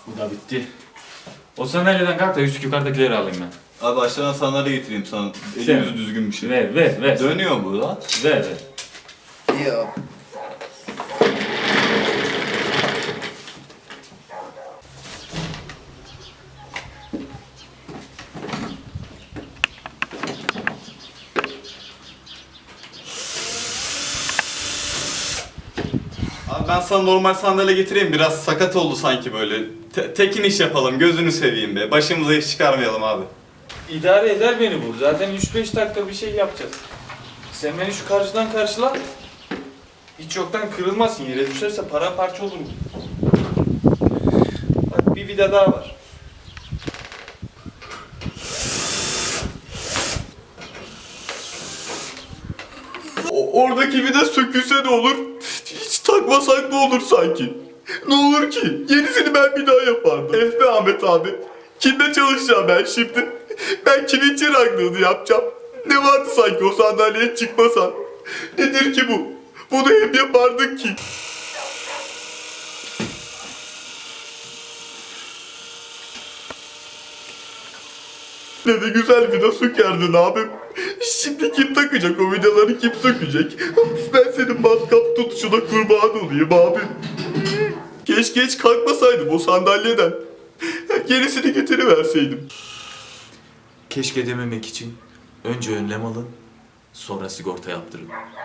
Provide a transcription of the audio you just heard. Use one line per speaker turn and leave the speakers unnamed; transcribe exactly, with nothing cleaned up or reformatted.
Bu da bitti. O sandalyeden kalk da üst yukarıdakileri alayım ben.
Abi aşağıdan sandalye getireyim sana.
Sen-
Elimiz düzgün bir şey.
Ver ver ver.
Dönüyor bu lan.
Ver ver.
Yok.
Abi ben sana normal sandalye getireyim. Biraz sakat oldu sanki böyle. Te- tekin iş yapalım. Gözünü seveyim be. Başımıza iş çıkarmayalım abi.
İdare eder beni bu. Zaten üç beş dakika bir şey yapacağız. Sen beni şu karşıdan karşıla. Hiç yoktan kırılmasın. Yere düşerse paramparça olur mu? Bak bir vida daha var.
O- oradaki vida sökülse ne olur? Hiç takmasak ne olur sanki? Ne olur ki? Yenisini ben bir daha yapardım. Eh be Ahmet abi. Kimle çalışacağım ben şimdi? Ben kimin çıraklığını yapacağım? Ne vardı sanki o sandalyeye çıkmasan? Nedir ki bu? Bunu hep yapardık ki. Ne de güzel vida sökerdin abim. Şimdi kim takacak o vidaları, kim sökecek? Ben senin matkap tutuşuna kurban olayım abim. Keşke hiç kalkmasaydım o sandalyeden. Gerisini getiriverseydim.
Keşke dememek için önce önlem alın, sonra sigorta yaptırın.